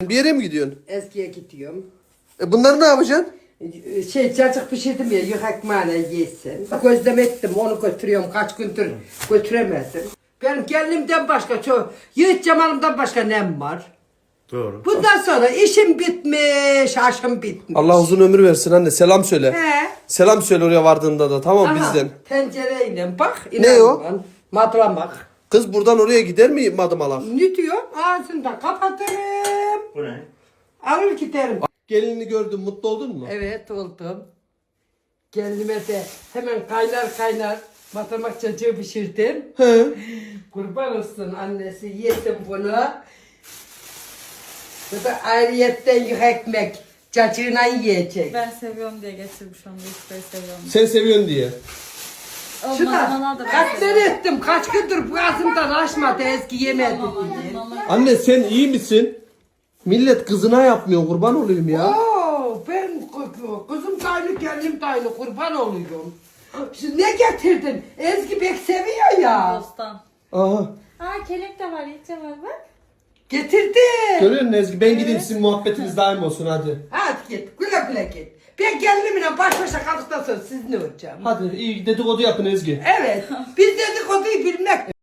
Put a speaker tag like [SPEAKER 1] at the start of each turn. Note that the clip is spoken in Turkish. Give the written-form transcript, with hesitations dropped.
[SPEAKER 1] Bir yere mi gidiyorsun?
[SPEAKER 2] Eskiye gidiyorum.
[SPEAKER 1] Bunları ne yapacaksın?
[SPEAKER 2] Cacık pişirdim ya, yük ekmeğine yesin. Gözlem ettim, onu götürüyorum. Kaç gündür götüremedim. Benim gelinimden başka, Yiğit Cemal'ımdan başka nem var.
[SPEAKER 3] Doğru.
[SPEAKER 2] Bundan sonra işim bitmiş, aşım bitmiş.
[SPEAKER 1] Allah uzun ömür versin anne. Selam söyle.
[SPEAKER 2] He.
[SPEAKER 1] Selam söyle oraya vardığında da, tamam
[SPEAKER 2] Aha,
[SPEAKER 1] bizden.
[SPEAKER 2] tencereyle bak.
[SPEAKER 1] Ne o?
[SPEAKER 2] inanma, Matlamak.
[SPEAKER 1] Kız buradan oraya gider mi madımalak?
[SPEAKER 2] Ne diyor? Ağzını da kapatırım.
[SPEAKER 3] Bu ne?
[SPEAKER 2] Alır giderim.
[SPEAKER 1] Gelinini gördün, mutlu oldun mu?
[SPEAKER 2] Evet, oldum. Kendime de hemen kaynar matlamak cacığı pişirdim.
[SPEAKER 1] He.
[SPEAKER 2] Kurban olsun annesi, yesin bunu. Bu da ayrıyetten yük ekmek. Cacığına yiyecek.
[SPEAKER 4] Ben seviyorum diye getirmiş onu. Yufkayı seviyorum.
[SPEAKER 1] Sen seviyorsun diye.
[SPEAKER 4] Şuna da
[SPEAKER 2] Kaç sene ettim, kaç gündür bu ağzımdan aşmadı, eski yemedi diye.
[SPEAKER 1] Anne sen iyi misin? Millet kızına yapmıyor, kurban olayım ya.
[SPEAKER 2] Oo, ben kızım taylı, kendim taylı, kurban oluyorum. Şimdi ne getirdin? Ezgi pek seviyor ya.
[SPEAKER 4] Bostan.
[SPEAKER 1] Aha.
[SPEAKER 4] Aa kelek de var, iyice var bak.
[SPEAKER 2] Getirdim.
[SPEAKER 1] Görüyor musun Ezgi? Ben gideyim, sizin muhabbetiniz daim olsun hadi.
[SPEAKER 2] Hadi git, güle güle git. Ben gelinimle baş başa kaldıktan sonra siz ne olacağım?
[SPEAKER 1] Hadi iyi dedikodu yapın Ezgi.
[SPEAKER 2] Evet, biz dedikoduyu bilmek